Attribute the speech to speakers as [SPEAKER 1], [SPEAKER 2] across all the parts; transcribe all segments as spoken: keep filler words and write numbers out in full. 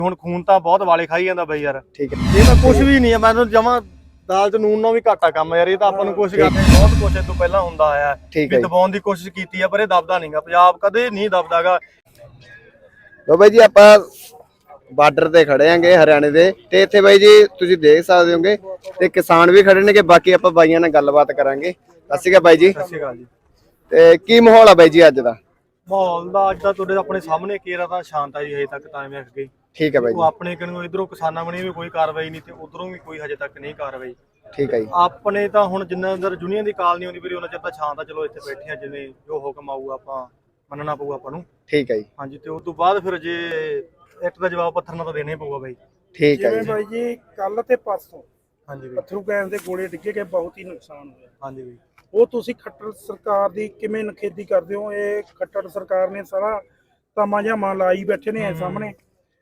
[SPEAKER 1] ਹੁਣ ਖੂਨ ਤਾਂ ਬਹੁਤ ਵਾਲੇ ਖਾਈ ਜਾਂਦਾ ਬਈ ਯਾਰ।
[SPEAKER 2] ਠੀਕ ਹੈ,
[SPEAKER 1] ਇਹ ਤਾਂ ਕੁਝ ਵੀ ਨਹੀਂ ਹੈ, ਮੈਂ ਤਾਂ ਜਮਾ ਦਾਲ ਚ ਨੂਨ ਨਾਲ ਵੀ ਘਾਟਾ ਕੰਮ ਯਾਰ। ਇਹ ਤਾਂ ਆਪਾਂ ਨੂੰ ਕੁਝ ਕਰਦੇ ਬਹੁਤ ਕੁਝ ਇਹ ਤੋਂ ਪਹਿਲਾਂ ਹੁੰਦਾ ਆਇਆ ਵੀ ਦਬਾਉਣ ਦੀ ਕੋਸ਼ਿਸ਼ ਕੀਤੀ ਆ, ਪਰ ਇਹ ਦਬਦਾ ਨਹੀਂਗਾ। ਪੰਜਾਬ ਕਦੇ ਨਹੀਂ ਦਬਦਾਗਾ।
[SPEAKER 2] ਲੋ ਬਾਈ ਜੀ ਆਪਾਂ ਬਾਰਡਰ ਤੇ ਖੜੇ ਆਂਗੇ ਹਰਿਆਣੇ ਦੇ, ਤੇ ਇੱਥੇ ਬਾਈ ਜੀ ਤੁਸੀਂ ਦੇਖ ਸਕਦੇ ਹੋਗੇ ਤੇ ਕਿਸਾਨ ਵੀ ਖੜੇ ਨੇ ਕਿ ਬਾਕੀ ਆਪਾਂ ਬਾਈਆਂ ਨਾਲ ਗੱਲਬਾਤ ਕਰਾਂਗੇ। ਸਤਿ ਸ਼੍ਰੀ ਅਕਾਲ ਬਾਈ ਜੀ।
[SPEAKER 1] ਸਤਿ ਸ਼੍ਰੀ ਅਕਾਲ ਜੀ।
[SPEAKER 2] ਤੇ ਕੀ ਮਾਹੌਲ ਆ ਬਾਈ ਜੀ ਅੱਜ ਦਾ?
[SPEAKER 1] ਮਾਹੌਲ ਦਾ ਅੱਜ ਦਾ ਤੁਹਾਡੇ ਆਪਣੇ ਸਾਹਮਣੇ ਕੇਰਾ ਤਾਂ ਸ਼ਾਂਤ ਆ ਜੀ, ਹਜੇ ਤੱਕ ਤਾਂ ਐਵੇਂ ਅੱਗੇ।
[SPEAKER 2] ਠੀਕ ਹੈ ਬਾਈ ਜੀ।
[SPEAKER 1] ਆਪਣੇ ਕਿਨੂੰ ਇਧਰੋਂ ਕਿਸਾਨਾਂ ਬਣੀ ਵੀ ਕੋਈ ਕਾਰਵਾਈ ਨਹੀਂ ਤੇ ਉਧਰੋਂ ਵੀ ਕੋਈ ਹਜੇ ਤੱਕ ਨਹੀਂ ਕਾਰਵਾਈ।
[SPEAKER 2] ਠੀਕ ਹੈ ਜੀ।
[SPEAKER 1] ਆਪਣੇ ਤਾਂ ਹੁਣ ਜਿੰਨਾ ਅੰਦਰ ਯੂਨੀਅਨ ਦੀ ਕਾਲ ਨਹੀਂ ਹੁੰਦੀ ਵੀਰੇ ਉਹਨਾਂ ਚਿਰ ਤਾਂ ਸ਼ਾਂਤ ਆ। ਚਲੋ ਇੱਥੇ ਬੈਠੇ ਆ, ਜਿਵੇਂ ਜੋ ਹੁਕਮ ਆਊਗਾ ਆਪਾਂ ਮੰਨਣਾ ਪਊਗਾ ਆਪਾਂ ਨੂੰ।
[SPEAKER 2] ਠੀਕ ਹੈ ਜੀ।
[SPEAKER 1] ਹਾਂਜੀ, ਤੇ ਉਸ ਤੋਂ ਬਾਅਦ ਫਿਰ ਜੇ ਇੱਟ ਦਾ ਜਵਾਬ ਪੱਥਰ ਨਾਲ ਤਾਂ ਦੇਣਾ ਹੀ ਪਊਗਾ ਬਾਈ।
[SPEAKER 2] ਠੀਕ ਹੈ
[SPEAKER 3] ਜਿਵੇਂ
[SPEAKER 2] ਜੀ।
[SPEAKER 3] ਬਾਈ ਜੀ ਕੱਲ ਤੇ ਪਰਸੋਂ
[SPEAKER 1] ਹਾਂਜੀ ਬਾਈ।
[SPEAKER 3] ਪੱਥਰੂ ਗੈਸ ਦੇ ਗੋਲੇ ਡਿੱਗੇ ਗਏ, ਬਹੁਤ ਹੀ ਨੁਕਸਾਨ ਹੋਇਆ।
[SPEAKER 1] ਹਾਂਜੀ ਬਾਈ।
[SPEAKER 3] ਉਹ ਤੁਸੀਂ ਖੱਟਰ ਸਰਕਾਰ ਦੀ ਕਿਵੇਂ ਨਖੇਦੀ ਕਰਦੇ ਹੋ? ਇਹ ਖੱਟਰ ਸਰਕਾਰ ਨੇ ਸਾਰਾ ਤਮਾ ਜਾਮਾ ਲਾਈ ਬੈਠੇ ਨੇ ਸਾਹਮਣੇ,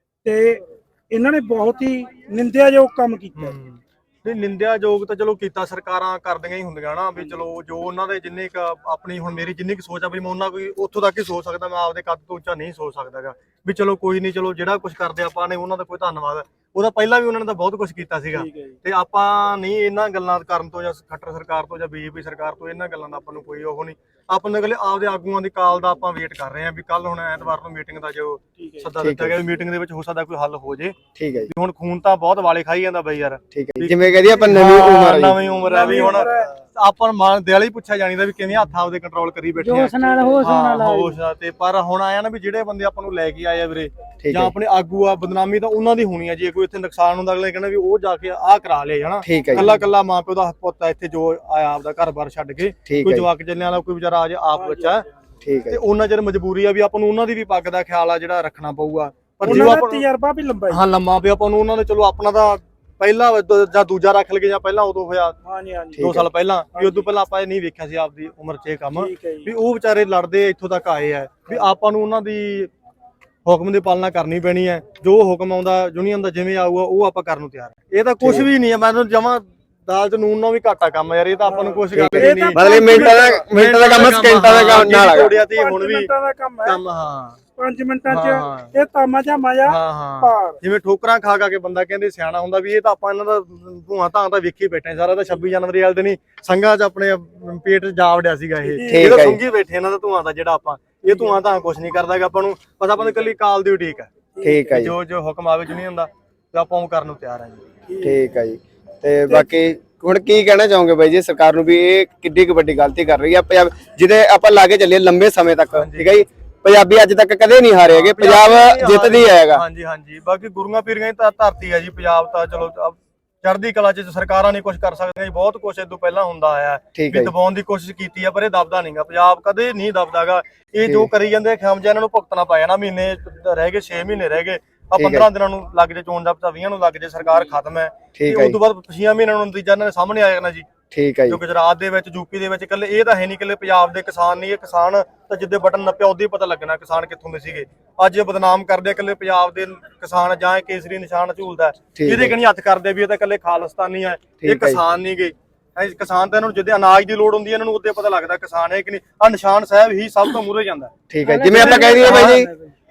[SPEAKER 3] ਤੇ ਇਹਨਾਂ ਨੇ ਬਹੁਤ ਹੀ ਨਿੰਦਿਆਯੋਗ ਕੰਮ ਕੀਤਾ।
[SPEAKER 1] ਨਹੀਂ, ਨਿੰਦਿਆਯੋਗ ਤਾਂ ਚਲੋ ਕੀਤਾ, ਸਰਕਾਰਾਂ ਕਰਦੀਆਂ ਹੀ ਹੁੰਦੀਆਂ ਨਾ ਵੀ। ਚਲੋ ਜੋ ਉਹਨਾਂ ਦੇ ਜਿੰਨੇ ਕ ਆਪਣੀ ਹੁਣ ਮੇਰੀ ਜਿੰਨੀ ਕੁ ਸੋਚ ਆ ਵੀ ਮੈਂ ਉਹਨਾਂ ਕੋਈ ਉੱਥੋਂ ਤੱਕ ਹੀ ਸੋਚ ਸਕਦਾ, ਮੈਂ ਆਪਦੇ ਕੱਦ ਤੋਂ ਉੱਚਾ ਨਹੀਂ ਸੋਚ ਸਕਦਾਗਾ ਵੀ ਚਲੋ ਕੋਈ ਨਹੀਂ, ਚਲੋ ਜਿਹੜਾ ਕੁਝ ਕਰਦੇ ਆਪਾਂ ਨੇ ਉਹਨਾਂ ਦਾ ਕੋਈ ਧੰਨਵਾਦ। ਉਹਦਾ ਪਹਿਲਾਂ ਵੀ ਉਹਨਾਂ ਨੇ ਤਾਂ ਬਹੁਤ ਕੁਝ ਕੀਤਾ ਸੀਗਾ, ਤੇ ਆਪਾਂ ਨਹੀਂ ਇਹਨਾਂ ਗੱਲਾਂ ਕਰਨ ਤੋਂ ਜਾਂ ਖੱਟਰ ਸਰਕਾਰ ਤੋਂ ਜਾਂ ਬੀਜੇਪੀ ਸਰਕਾਰ ਤੋਂ ਇਹਨਾਂ ਗੱਲਾਂ ਦਾ ਆਪਾਂ ਨੂੰ ਕੋਈ ਉਹ ਨਹੀਂ। ਆਪਾਂ ਨੂੰ ਅਗਲੇ ਆਪਦੇ ਆਗੂਆਂ ਦੀ ਕਾਲ ਦਾ ਆਪਾਂ ਵੇਟ ਕਰ ਰਹੇ ਹਾਂ ਵੀ ਕੱਲ ਹੁਣ ਐਤਵਾਰ ਨੂੰ ਮੀਟਿੰਗ ਦਾ ਜੋ ਸੱਦਾ ਦਿੱਤਾ ਗਿਆ, ਮੀਟਿੰਗ ਦੇ ਵਿੱਚ ਹੋ ਸਕਦਾ ਕੋਈ ਹੱਲ ਹੋ ਜੇ।
[SPEAKER 2] ਠੀਕ ਹੈ ਜੀ।
[SPEAKER 1] ਹੁਣ ਖੂਨ ਤਾਂ ਬਹੁਤ ਵਾਲੇ ਖਾਈ ਜਾਂਦਾ ਬਈ ਯਾਰ।
[SPEAKER 2] ਠੀਕ ਹੈ, ਜਿਵੇਂ ਕਹਦੀ ਆਪਾਂ ਨਵੀਂ ਉਮਰ ਹੈ,
[SPEAKER 1] ਨਵੀਂ ਉਮਰ ਹੈ ਵੀ। ਹੁਣ ਆਪਾਂ ਨੂੰ ਦਿਲ ਹੀ ਪੁੱਛਿਆ ਜਾਣੀਦਾ ਵੀ ਕਿਵੇਂ ਹੱਥ ਆਪਦੇ ਕੰਟਰੋਲ ਕਰੀ ਬੈਠੇ ਆ,
[SPEAKER 3] ਹੋਸ਼ ਨਾਲ ਹੋਸ਼ ਨਾਲ
[SPEAKER 1] ਹੋਸ਼ ਤੇ। ਪਰ ਹੁਣ ਆਇਆ ਨਾ ਵੀ ਜਿਹੜੇ ਬੰਦੇ ਆਪਾਂ ਨੂੰ ਲੈ ਕੇ ਆਏ ਆ ਵੀਰੇ ਜਾਂ ਆਪਣੇ ਆਗੂ ਆ, ਬਦਨਾਮੀ ਤਾਂ ਉਹਨਾਂ ਦੀ ਹੋਣੀ ਆ। ਜੇ ਕੋਈ ਇੱਥੇ ਨੁਕਸਾਨ ਹੁੰਦਾ ਅਗਲੇ ਕਹਿੰਦਾ ਵੀ ਉਹ ਜਾ ਕੇ ਆਹ ਕਰਾ ਲਿਆ ਹਨਾ। ਕੱਲਾ ਕੱਲਾ ਮਾਂ ਪਿਓ ਦਾ ਪੁੱਤ ਆ ਇੱਥੇ ਜੋ ਆਇਆ ਆਪਦਾ ਘਰ-ਬਾਰ ਛੱਡ ਕੇ, ਕੋਈ ਜਵਾਕ ਜੱਲਿਆਂ ਵਾਲਾ ਕੋਈ ਵਿਚਾਰਾ ਆ ਜੇ ਆਪ ਬੱਚਾ।
[SPEAKER 2] ਠੀਕ ਹੈ।
[SPEAKER 1] ਤੇ ਉਹਨਾਂ ਚਿਰ ਮਜਬੂਰੀ ਆ ਵੀ ਆਪਾਂ ਨੂੰ ਉਹਨਾਂ ਦੀ ਵੀ ਪੱਗ ਦਾ ਖਿਆਲ ਆ ਜਿਹੜਾ ਰੱਖਣਾ ਪਊਗਾ। ਪਰ
[SPEAKER 3] ਉਹਨਾਂ ਦਾ ਤਜਰਬਾ ਵੀ ਲੰਬਾ
[SPEAKER 1] ਹਾਂ ਲੰਮਾ ਪਿਆ ਆਪਾਂ ਨੂੰ ਉਹਨਾਂ ਨੇ। ਚਲੋ ਆਪਣਾ ਤਾਂ ਪਹਿਲਾ ਜਾਂ ਦੂਜਾ ਰੱਖ ਲਗੇ ਜਾਂ ਪਹਿਲਾਂ ਉਦੋਂ ਹੋਇਆ ਦੋ ਸਾਲ ਪਹਿਲਾਂ ਵੀ। ਉਦੋਂ ਪਹਿਲਾਂ ਆਪਾਂ ਇਹ ਨਹੀਂ ਵੇਖਿਆ ਸੀ ਆਪਦੀ ਉਮਰ 'ਚ ਇਹ ਕੰਮ ਵੀ ਉਹ ਵਿਚਾਰੇ ਲੜਦੇ ਇੱਥੋਂ ਤੱਕ ਆਏ ਆ ਵੀ ਆਪਾਂ ਨੂੰ ਉਹਨਾਂ ਦੀ ਹੁਕਮ ਦੀ ਪਾਲਣਾ ਕਰਨੀ ਪੈਣੀ ਹੈ। ਜੋ ਹੁਕਮ ਆਉਂਦਾ ਯੂਨੀਅਨ ਦਾ ਜਿਵੇਂ ਆਊਗਾ ਉਹ ਆਪਾਂ ਕਰਨ ਨੂੰ ਤਿਆਰ ਹੈ। ਇਹ ਤਾਂ ਕੁਝ ਵੀ ਨਹੀਂ ਹੈ, ਮੈਂ ਤਾਂ ਜਮਾਂ ਦਾਲ ਚ ਨੂਨ ਨਾਲ ਵੀ ਘਾਟਾ ਕੰਮ ਯਾਰ। ਇਹ ਤਾਂ ਆਪਾਂ ਨੂੰ ਕੁਝ ਕਰਦੇ ਨਹੀਂ,
[SPEAKER 2] ਮਤਲਬ ਮਿੰਟਾਂ ਦਾ ਮਿੰਟਾਂ ਦਾ ਕੰਮ ਸਕਿੰਟਾਂ ਦਾ ਕੰਮ ਨਾਲ
[SPEAKER 1] ਜੋੜਿਆ ਤੇ ਹੁਣ ਵੀ ਕੰਮ। ਹਾਂ,
[SPEAKER 3] ਪੰਜ ਮਿੰਟਾਂ ਚ ਇਹ ਤਾਮਾ ਜਾਮਾ ਜਾ ਪਾਰ।
[SPEAKER 1] ਜਿਵੇਂ ਠੋਕਰਾਂ ਖਾ ਖਾ ਕੇ ਬੰਦਾ ਕਹਿੰਦੇ ਸਿਆਣਾ ਹੁੰਦਾ ਵੀ ਇਹ ਤਾਂ ਆਪਾਂ ਇਹਨਾਂ ਦਾ ਧੂਆਂ ਧਾਂ ਤਾਂ ਵੇਖੀ ਬੈਠੇ ਸਾਰਾ। ਤਾਂ ਛੱਬੀ ਜਨਵਰੀ ਵਾਲੇ ਦਿਨ ਹੀ ਸੰਘਾਂ ਚ ਆਪਣੇ ਪੇਟ ਜਾ ਵੜਿਆ ਸੀਗਾ ਇਹ। ਇਹ ਤਾਂ ਸੁੰਘੀ ਬੈਠੇ ਇਹਨਾਂ ਦਾ ਧੂਆਂ ਦਾ ਜਿਹੜਾ ਆਪਾਂ। ਇਹ ਧੂਆਂ ਤਾਂ ਕੁਝ ਨਹੀਂ ਕਰਦਾ ਆਪਾਂ ਨੂੰ, ਬਸ ਆਪਾਂ ਨੂੰ ਇਕੱਲੀ ਕਾਲ ਦੀ ਠੀਕ ਹੈ।
[SPEAKER 2] ਠੀਕ ਹੈ ਜੀ।
[SPEAKER 1] ਜੋ ਜੋ ਹੁਕਮ ਆਵੇ ਯੂਨੀਅਨ ਦਾ ਤੇ ਆਪਾਂ ਉਹ ਕਰਨ ਨੂੰ ਤਿਆਰ ਹਾਂ ਜੀ।
[SPEAKER 2] ਠੀਕ ਹੈ ਜੀ। ਤੇ ਬਾਕੀ ਹੁਣ ਕੀ ਕਹਿਣਾ ਚਾਹੋਗੇ ਬਾਈ ਜੀ ਸਰਕਾਰ ਨੂੰ ਵੀ ਇਹ ਕਿੱਡੀ ਕੁ ਵੱਡੀ ਗਲਤੀ ਕਰ ਰਹੀ ਹੈ ਪੰਜਾਬ, ਜਿਹਦੇ ਆਪਾਂ ਲਾਗੇ ਚੱਲੇ ਲੰਬੇ ਸਮੇਂ ਤੱਕ? ਠੀਕ ਹੈ ਜੀ। ਪੰਜਾਬੀ ਅੱਜ ਤੱਕ ਕਦੇ ਨਹੀਂ ਹਾਰੇ ਹੈਗੇ, ਪੰਜਾਬ ਜਿੱਤਦੀ ਆਏਗਾ।
[SPEAKER 1] ਹਾਂਜੀ ਹਾਂਜੀ, ਬਾਕੀ ਗੁਰੂਆਂ ਪੀਰੀਆਂ ਦੀ ਤਾਂ ਧਰਤੀ ਹੈ ਜੀ ਪੰਜਾਬ ਤਾਂ। ਚਲੋ ਚੜ੍ਹਦੀ ਕਲਾ ਚ ਸਰਕਾਰਾਂ ਨਹੀਂ ਕੁਝ ਕਰ ਸਕਦੀਆਂ ਜੀ, ਬਹੁਤ ਕੁਝ ਇਦੋਂ ਪਹਿਲਾਂ ਹੁੰਦਾ ਆਇਆ ਵੀ ਦਬਾਉਣ ਦੀ ਕੋਸ਼ਿਸ਼ ਕੀਤੀ ਆ, ਪਰ ਇਹ ਦਬਦਾ ਨਹੀਂਗਾ। ਪੰਜਾਬ ਕਦੇ ਨਹੀਂ ਦਬਦਾਗਾ। ਇਹ ਜੋ ਕਰੀ ਜਾਂਦੇ ਖਿਆਮਜਾ ਇਹਨਾਂ ਨੂੰ ਭੁਗਤਣਾ ਪਾਇਆ ਨਾ। ਮਹੀਨੇ ਰਹਿ ਗਏ, ਛੇ ਮਹੀਨੇ ਰਹਿ ਗਏ ਆ, ਪੰਦਰਾਂ ਦਿਨਾਂ ਨੂੰ ਲੱਗ ਜੇ ਚੋਣ ਜਾਬਤਾ, ਵੀਹਾਂ ਨੂੰ ਲੱਗ ਜੇ ਸਰਕਾਰ ਖਤਮ ਹੈ। ਉਸ ਤੋਂ ਬਾਅਦ ਛੇ ਮਹੀਨਿਆਂ ਨੂੰ ਨਤੀਜਾ ਇਹਨਾਂ ਦੇ ਸਾਹਮਣੇ ਆ ਜਾਣਾ ਜੀ।
[SPEAKER 2] ਠੀਕ ਹੈ ਜੀ।
[SPEAKER 1] ਜੋ ਗੁਜਰਾਤ ਦੇ ਵਿੱਚ, ਯੂਪੀ ਦੇ ਵਿੱਚ, ਇਕੱਲੇ ਇਹ ਤਾਂ ਹੈ ਨਹੀਂ ਇਕੱਲੇ ਪੰਜਾਬ ਦੇ ਕਿਸਾਨ ਨਹੀਂ। ਇਹ ਕਿਸਾਨ ਤਾਂ ਜਿੱਦੇ ਬਟਨ ਨੱਪਿਆ ਉਦੋਂ ਹੀ ਪਤਾ ਲੱਗਣਾ ਕਿਸਾਨ ਕਿੱਥੋਂ ਦੇ ਸੀਗੇ। ਅੱਜ ਇਹ ਬਦਨਾਮ ਕਰਦੇ ਇਕੱਲੇ ਪੰਜਾਬ ਦੇ ਕਿਸਾਨ, ਜਾਂ ਇਹ ਕੇਸਰੀ ਨਿਸ਼ਾਨ ਝੂਲਦਾ ਇਹਦੇ ਕਣੀ ਹੱਥ ਕਰਦੇ ਵੀ ਇਹ ਤਾਂ ਇਕੱਲੇ ਖਾਲਿਸਤਾਨੀ ਆ, ਇਹ ਕਿਸਾਨ ਨਹੀਂ ਗਏ। ਕਿਸਾਨ ਤਾਂ ਇਹਨਾਂ ਨੂੰ ਜਿੱਦੇ ਅਨਾਜ ਦੀ ਲੋੜ ਹੁੰਦੀ ਹੈ ਇਹਨਾਂ ਨੂੰ ਉਦੋਂ ਪਤਾ ਲੱਗਦਾ ਕਿਸਾਨ ਹੈ ਕਿ ਨਹੀਂ। ਆ ਨਿਸ਼ਾਨ ਸਾਹਿਬ ਹੀ ਸਭ ਤੋਂ ਮੂਹਰੇ ਜਾਂਦਾ।
[SPEAKER 2] ਠੀਕ ਹੈ, ਜਿਵੇਂ ਆਪਾਂ ਕਹਿ ਦਈਏ ਬਾਈ ਜੀ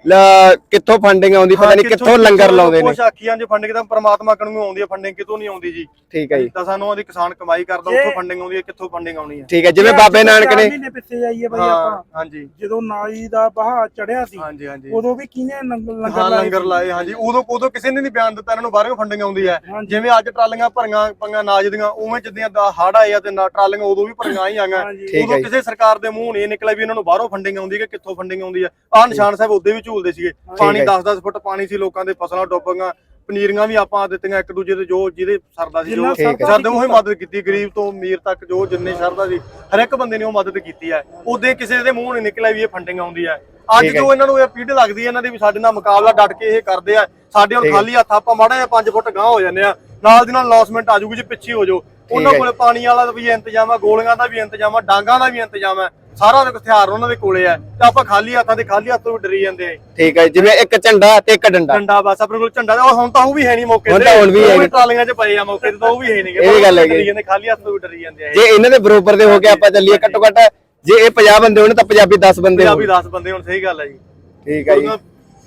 [SPEAKER 2] ਕਿੱਥੋਂ ਫੰਡਿੰਗ ਆਉਂਦੀ, ਪਤਾ ਨਹੀਂ ਕਿੱਥੋਂ ਲੰਗਰ ਲਾਉਂਦੇ ਨੇ।
[SPEAKER 1] ਕੁਛ ਆਖੀਆਂ ਜੇ ਫੰਡਿੰਗ ਤਾਂ ਪਰਮਾਤਮਾ ਕੋਲੋਂ ਆਉਂਦੀ ਹੈ, ਫੰਡਿੰਗ ਕਿਤੋਂ ਨਹੀਂ ਆਉਂਦੀ ਜੀ।
[SPEAKER 2] ਠੀਕ ਹੈ ਜੀ।
[SPEAKER 1] ਤਾਂ ਸਾਨੂੰ ਉਹਦੀ ਕਿਸਾਨ ਕਮਾਈ ਕਰਦਾ, ਉੱਥੋਂ ਫੰਡਿੰਗ ਆਉਂਦੀ ਹੈ, ਕਿੱਥੋਂ ਫੰਡਿੰਗ ਆਉਣੀ ਹੈ।
[SPEAKER 2] ਠੀਕ ਹੈ, ਜਿਵੇਂ ਬਾਬੇ ਨਾਨਕ ਨੇ
[SPEAKER 3] ਮਹੀਨੇ ਪਿੱਛੇ ਜਾਈਏ ਬਾਈ ਆਪਾਂ।
[SPEAKER 1] ਹਾਂਜੀ,
[SPEAKER 3] ਜਦੋਂ ਨਾਲੀ ਦਾ ਬਹਾ ਚੜਿਆ ਸੀ
[SPEAKER 1] ਹਾਂਜੀ ਹਾਂਜੀ,
[SPEAKER 3] ਉਦੋਂ ਵੀ ਕਿਹਨੇ
[SPEAKER 1] ਲੰਗਰ ਲੰਗਰ ਲਾਏ। ਹਾਂਜੀ, ਉਦੋਂ ਉਦੋਂ ਕਿਸੇ ਨੇ ਨਹੀਂ ਬਿਆਨ ਦਿੱਤਾ ਇਹਨਾਂ ਨੂੰ ਬਾਹਰੋਂ ਫੰਡਿੰਗ ਆਉਂਦੀ ਹੈ। ਜਿਵੇਂ ਅੱਜ ਟਰਾਲੀਆਂ ਭਰੀਆਂ ਪੰਗਾ ਨਾਜ ਦੀਆਂ, ਉਵੇਂ ਜਿੱਦਾਂ ਹੜ ਆਏ ਆ ਤੇ ਟਰਾਲੀਆਂ ਉਦੋਂ ਵੀ ਭਰੀਆਂ ਹੀ ਆਈਆਂ। ਉਦੋਂ ਕਿਸੇ ਸਰਕਾਰ ਦੇ ਮੂੰਹ ਨਹੀਂ ਨਿਕਲਿਆ ਵੀ ਇਹਨਾਂ ਨੂੰ ਬਾਹਰੋਂ ਫੰਡਿੰਗ ਆਉਂਦੀ ਹੈ ਕਿ ਕਿੱਥੋਂ ਫੰਡਿੰਗ ਆਉਂਦੀ ਹੈ। ਆਹ ਨਿਸ਼ਾਨ ਸਾਹਿਬ ਉਦੋਂ ਵੀ ਝੂਲਦੇ ਸੀਗੇ। ਪਾਣੀ ਦਸ ਦਸ ਫੁੱਟ ਪਾਣੀ ਸੀ, ਲੋਕਾਂ ਦੇ ਫਸਲਾਂ ਡੁੱਬ ਗਈਆਂ, ਪਨੀਰੀਆਂ ਵੀ ਆਪਾਂ ਦਿੱਤੀਆਂ ਇੱਕ ਦੂਜੇ ਦੇ ਜੋ ਜਿਹਦੇ ਸਰਦਾ ਸੀ, ਜੋ ਸਰਦੇ ਉਹ ਹੀ ਮਦਦ ਕੀਤੀ। ਗਰੀਬ ਤੋਂ ਅਮੀਰ ਤੱਕ ਜੋ ਜਿੰਨੇ ਸਰਦਾ ਸੀ ਹਰ ਇੱਕ ਬੰਦੇ ਨੇ ਉਹ ਮਦਦ ਕੀਤੀ ਹੈ। ਉਦੋਂ ਕਿਸੇ ਦੇ ਮੂੰਹ ਨਹੀਂ ਨਿਕਲਿਆ ਵੀ ਇਹ ਫੰਡਿੰਗ ਆਉਂਦੀ ਹੈ। ਅੱਜ ਜੋ ਇਹਨਾਂ ਨੂੰ ਇਹ ਪੀੜ ਲੱਗਦੀ ਹੈ ਇਹਨਾਂ ਦੀ ਵੀ ਸਾਡੇ ਨਾਲ ਮੁਕਾਬਲਾ ਡਟ ਕੇ ਇਹ ਕਰਦੇ ਆ। ਸਾਡੇ ਹੁਣ ਖਾਲੀ ਹੱਥ ਆਪਾਂ ਮਾੜਾ ਜਿਹਾ ਪੰਜ ਫੁੱਟ ਗਾਂਹ ਹੋ ਜਾਂਦੇ ਆ, ਨਾਲ ਦੀ ਨਾਲ ਲੌਸਮੈਂਟ ਆ ਜੂਗੀ ਜੀ, ਪਿੱਛੇ ਹੋ ਜਾਓ। ਉਹਨਾਂ ਕੋਲੇ ਪਾਣੀ ਵਾਲਾ ਦਾ ਵੀ ਇੰਤਜ਼ਾਮ ਆ, ਗੋਲੀਆਂ ਦਾ ਵੀ ਇੰਤਜ਼ਾਮ ਆ, ਡਾਂਗਾਂ ਦਾ ਵੀ ਇੰਤਜ਼ਾਮ ਹੈ। ਸਾਰਾ ਹਥਿਆਰ ਉਹਨਾਂ ਦੇ ਕੋਲੇ ਆ ਤੇ ਆਪਾਂ ਖਾਲੀ ਹੱਥਾਂ ਤੇ ਖਾਲੀ ਹੱਥੋਂ ਵੀ ਡਰੀ ਜਾਂਦੇ ਆ।
[SPEAKER 2] ਠੀਕ ਹੈ, ਜਿਵੇਂ ਇੱਕ ਝੰਡਾ ਤੇ ਇੱਕ ਡੰਡਾ।
[SPEAKER 1] ਡੰਡਾ ਬਸ ਆਪਣੇ ਕੋਲ ਝੰਡਾ। ਉਹ ਹੁਣ ਤਾਂ ਉਹ ਵੀ ਹੈ ਨਹੀਂ ਮੌਕੇ ਤੇ,
[SPEAKER 2] ਹੁਣ ਵੀ ਹੈ
[SPEAKER 1] ਟਰਾਲੀਆਂ 'ਚ ਪਏ ਆ ਮੌਕੇ ਤੇ, ਤਾਂ ਉਹ ਵੀ ਹੈ ਨਹੀਂ।
[SPEAKER 2] ਇਹ ਗੱਲ ਹੈਗੀ,
[SPEAKER 1] ਖਾਲੀ ਹੱਥੋਂ ਵੀ ਡਰੀ ਜਾਂਦੇ ਆ।
[SPEAKER 2] ਜੇ ਇਹਨਾਂ ਦੇ ਬਰੋਬਰ ਦੇ ਹੋ ਕੇ ਆਪਾਂ ਚੱਲੀਏ, ਘੱਟੋ ਘੱਟ ਜੇ ਇਹ ਪੰਜਾਹ ਬੰਦੇ ਹੋਣ ਤਾਂ ਪੰਜਾਬੀ ਦਸ ਬੰਦੇ ਹੋਣ।
[SPEAKER 1] ਪੰਜਾਬੀ ਦਸ ਬੰਦੇ ਹੋਣ, ਸਹੀ ਗੱਲ ਹੈ ਜੀ।
[SPEAKER 2] ਠੀਕ ਹੈ ਜੀ।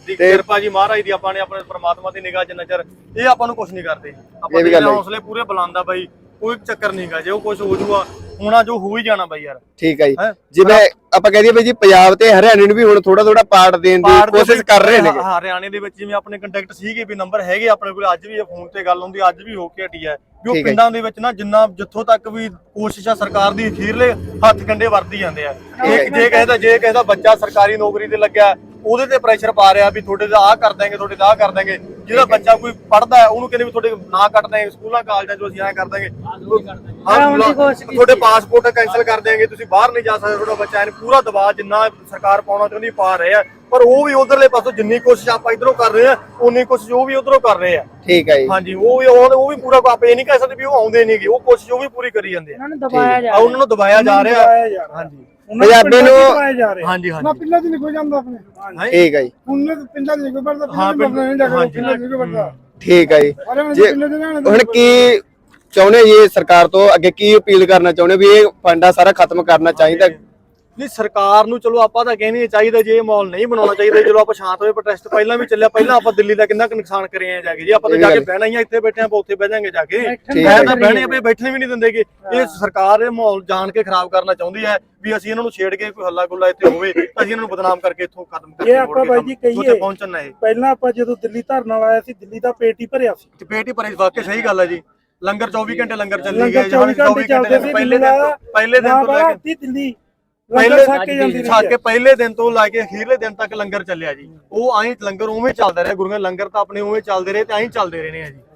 [SPEAKER 1] ਦੀ ਕਿਰਪਾ ਜੀ ਮਹਾਰਾਜ ਦੀ, ਆਪਾਂ ਨੇ ਆਪਣੇ ਪ੍ਰਮਾਤਮਾ ਦੀ ਨਿਗਾਹ ਜਿੰਨਾ ਚਿਰ ਇਹ ਆਪਾਂ ਨੂੰ ਕੁਝ ਨਹੀਂ ਕਰਦੇ। ਆਪਾਂ ਦੇ ਹੌਸਲੇ ਪੂਰੇ ਬੁਲੰਦ ਆ ਬਾਈ, ਕੋਈ ਚੱਕਰ ਨਹੀਂਗਾ। ਜੇ ਉਹ ਕੁਝ ਹੋ ਜੂਗਾ ਹੋਣਾ ਜੋ ਹੋ ਹੀ ਜਾਣਾ ਬਾਈ ਯਾਰ।
[SPEAKER 2] ਠੀਕ ਹੈ ਜੀ, ਜਿਵੇਂ ਆਪਾਂ ਕਹਿ ਦਈਏ ਬਾਈ ਜੀ ਪੰਜਾਬ ਤੇ ਹਰਿਆਣੇ ਨੂੰ ਵੀ ਹੁਣ ਥੋੜਾ ਥੋੜਾ ਪਾਰਟ ਦੇਣ ਦੀ ਕੋਸ਼ਿਸ਼ ਕਰ ਰਹੇ ਨੇ।
[SPEAKER 1] ਹਾਂ ਹਰਿਆਣੇ ਦੇ ਵਿੱਚ ਜਿਵੇਂ ਆਪਣੇ ਕੰਟੈਕਟ ਸੀਗੇ ਵੀ ਨੰਬਰ ਹੈਗੇ ਆਪਣੇ ਕੋਲ, ਅੱਜ ਵੀ ਇਹ ਫੋਨ ਤੇ ਗੱਲ ਹੁੰਦੀ, ਅੱਜ ਵੀ ਹੋ ਕੇ ਹਟੀ ਹੈ ਵੀ ਉਹ ਪਿੰਡਾਂ ਦੇ ਵਿੱਚ ਨਾ ਜਿੰਨਾ ਜਿੱਥੋਂ ਤੱਕ ਵੀ ਕੋਸ਼ਿਸ਼ ਆ ਸਰਕਾਰ ਦੀ ਅਖੀਰਲੇ ਹੱਥ ਕੰਡੇ ਵਰਤੀ ਜਾਂਦੇ ਆ। ਜੇ ਕਹਿੰਦਾ ਜੇ ਕਹਿੰਦਾ ਬੱਚਾ ਸਰਕਾਰੀ ਨੌਕਰੀ ਤੇ ਲੱਗਿਆ ਉਹਦੇ ਤੇ ਪ੍ਰੈਸ਼ਰ ਪਾ ਰਿਹਾ ਵੀ ਤੁਹਾਡੇ ਦਾ ਆਹ ਕਰ ਦਾਂਗੇ, ਤੁਹਾਡੇ ਦਾ ਆਹ ਕਰ ਦਾਂਗੇ। ਜਿਹੜਾ ਬੱਚਾ ਕੋਈ ਪੜਦਾ ਹੈ ਉਹਨੂੰ ਕਹਿੰਦੇ ਵੀ ਤੁਹਾਡੇ ਨਾ ਕੱਟ ਦਾਂਗੇ ਸਕੂਲਾਂ ਕਾਲਜਾਂ ਚੋਂ, ਅਸੀਂ ਐਂ ਕਰ ਦਾਂਗੇ, ਤੁਹਾਡੇ ਪਾਸਪੋਰਟ ਕੈਂਸਲ ਕਰ ਦੇਾਂਗੇ, ਤੁਸੀਂ ਬਾਹਰ ਨਹੀਂ ਜਾ ਸਕਦੇ ਤੁਹਾਡਾ ਬੱਚਾ। ਇਹਨੂੰ ਪੂਰਾ ਦਬਾਅ ਜਿੰਨਾ ਸਰਕਾਰ ਪਾਉਣਾ ਚਾਹੁੰਦੀ ਪਾ ਰਹੇ ਆ, ਪਰ ਉਹ ਵੀ ਉਧਰਲੇ ਪਾਸੋਂ ਜਿੰਨੀ ਕੋਸ਼ਿਸ਼ ਆਪਾਂ ਇਧਰੋਂ ਕਰ ਰਹੇ ਆ ਉਨੀ ਕੋਸ਼ਿਸ਼ ਉਹ ਵੀ ਉਧਰੋਂ ਕਰ ਰਹੇ ਆ।
[SPEAKER 2] ਠੀਕ ਹੈ ਜੀ,
[SPEAKER 1] ਹਾਂਜੀ ਉਹ ਵੀ ਉਹ ਵੀ ਪੂਰਾ ਆਪਾਂ ਇਹ ਨਹੀਂ ਕਹਿ ਸਕਦੇ ਵੀ ਉਹ ਆਉਂਦੇ ਨਹੀਂਗੇ, ਉਹ ਕੋਸ਼ਿਸ਼ ਉਹ ਵੀ ਪੂਰੀ ਕਰੀ ਜਾਂਦੇ ਆ। ਉਹਨਾਂ ਨੂੰ ਦਬਾਇਆ ਜਾ ਰਿਹਾ। ਹਾਂਜੀ
[SPEAKER 2] ਪੰਜਾਬੀ ਨੂੰ
[SPEAKER 1] ਹਾਂਜੀ ਹਾਂਜੀ
[SPEAKER 3] ਪਿੰਡਾਂ ਚ ਨਿਕਲ ਜਾਂਦਾ ਆਪਣੇ।
[SPEAKER 2] ਠੀਕ ਹੈ ਜੀ,
[SPEAKER 3] ਉਹਨਾਂ ਦੇ ਪਿੰਡਾਂ ਚ ਨਿਕਲ ਪੜਦਾ,
[SPEAKER 1] ਹਾਂ ਪਿੰਡਾਂ
[SPEAKER 3] ਚ ਨਿਕਲ ਪੜਦਾ।
[SPEAKER 2] ਠੀਕ ਹੈ ਜੀ। ਹੁਣ ਕੀ ਚਾਹੁੰਦੇ ਜੀ ਸਰਕਾਰ ਤੋਂ ਅੱਗੇ ਕੀ ਅਪੀਲ ਕਰਨਾ ਚਾਹੁੰਦੇ ਵੀ ਇਹ ਫੰਡਾ ਸਾਰਾ ਖਤਮ ਕਰਨਾ ਚਾਹੀਦਾ?
[SPEAKER 1] ਨਹੀਂ ਸਰਕਾਰ ਨੂੰ ਚਲੋ ਆਪਾਂ ਤਾਂ ਕਹਿੰਦੇ ਚਾਹੀਦਾ, ਜੇ ਇਹ ਮਾਹੌਲ ਨਹੀਂ ਬਣਾਉਣਾ ਚਾਹੀਦਾ, ਚਲੋ ਆਪਾਂ ਸ਼ਾਂਤ ਹੋਏ। ਪ੍ਰੋਟੈਸਟ ਪਹਿਲਾਂ ਵੀ ਚੱਲਿਆ, ਪਹਿਲਾਂ ਆਪਾਂ ਦਿੱਲੀ ਦਾ ਕਿੰਨਾ ਕੁ ਨੁਕਸਾਨ ਕਰੇ ਆ ਜਾ ਕੇ। ਜੇ ਆਪਾਂ ਤਾਂ ਜਾ ਕੇ ਬਹਿਣਾ ਹੀ ਆ, ਇੱਥੇ ਬੈਠੇ ਆਪਾਂ ਉੱਥੇ ਬਹਿ ਜਾਾਂਗੇ ਜਾ ਕੇ, ਮੈਂ ਤਾਂ ਬਹਿਣੇ ਆਪਾਂ ਬੈਠਣੇ ਵੀ ਨਹੀਂ ਦਿੰਦੇਗੇ। ਇਹ ਸਰਕਾਰ ਇਹ ਮਾਹੌਲ ਜਾਣ ਕੇ ਖਰਾਬ ਕਰਨਾ ਚਾਹੁੰਦੀ ਹੈ ਵੀ ਅਸੀਂ ਇਹਨਾਂ ਨੂੰ ਛੇੜ ਕੇ ਕੋਈ ਹੱਲਾ ਗੁੱਲਾ ਇੱਥੇ ਹੋਵੇ, ਅਸੀਂ ਇਹਨਾਂ ਨੂੰ ਬਦਨਾਮ ਕਰਕੇ ਇੱਥੋਂ ਖਤਮ ਕਰਕੇ
[SPEAKER 3] ਆਪਾਂ ਬਾਈ ਜੀ ਕਹੀਏ
[SPEAKER 1] ਪਹੁੰਚਣਾ ਹੈ।
[SPEAKER 3] ਪਹਿਲਾਂ ਆਪਾਂ ਜਦੋਂ ਦਿੱਲੀ ਧਰਨਾ ਲਾਇਆ ਸੀ, ਦਿੱਲੀ ਦਾ ਪੇਟ ਹੀ ਭਰਿਆ ਸੀ।
[SPEAKER 1] ਤੇ ਪੇਟ ਹੀ ਭਰੇ, ਵਾਕਿਆ ਸਹੀ ਗੱਲ ਹੈ ਜੀ। ਲੰਗਰ ਚੌਵੀ ਘੰਟੇ ਲੰਗਰ ਚੱਲੀ ਗਏ,
[SPEAKER 3] ਚੌਵੀ ਘੰਟੇ ਚੱਲਦੇ ਸੀ।
[SPEAKER 1] ਪਹਿਲੇ ਦਿਨ ਪਹਿਲੇ ਦਿਨ ਤੋਂ ਲੈ ਕੇ
[SPEAKER 3] ਦਿੱਲੀ
[SPEAKER 1] ਪਹਿਲੇ ਛੱਕ ਕੇ ਪਹਿਲੇ ਦਿਨ ਤੋਂ ਲੈ ਕੇ ਅਖੀਰਲੇ ਦਿਨ ਤੱਕ ਲੰਗਰ ਚੱਲਿਆ ਜੀ। ਉਹ ਐਂ ਲੰਗਰ ਉਵੇਂ ਚੱਲਦਾ ਰਿਹਾ, ਗੁਰੂਆਂ ਲੰਗਰ ਤਾਂ ਆਪਣੇ ਉਵੇਂ ਚੱਲਦੇ ਰਹੇ ਤੇ ਐਂ ਚੱਲਦੇ ਰਹੇ ਨੇ ਜੀ।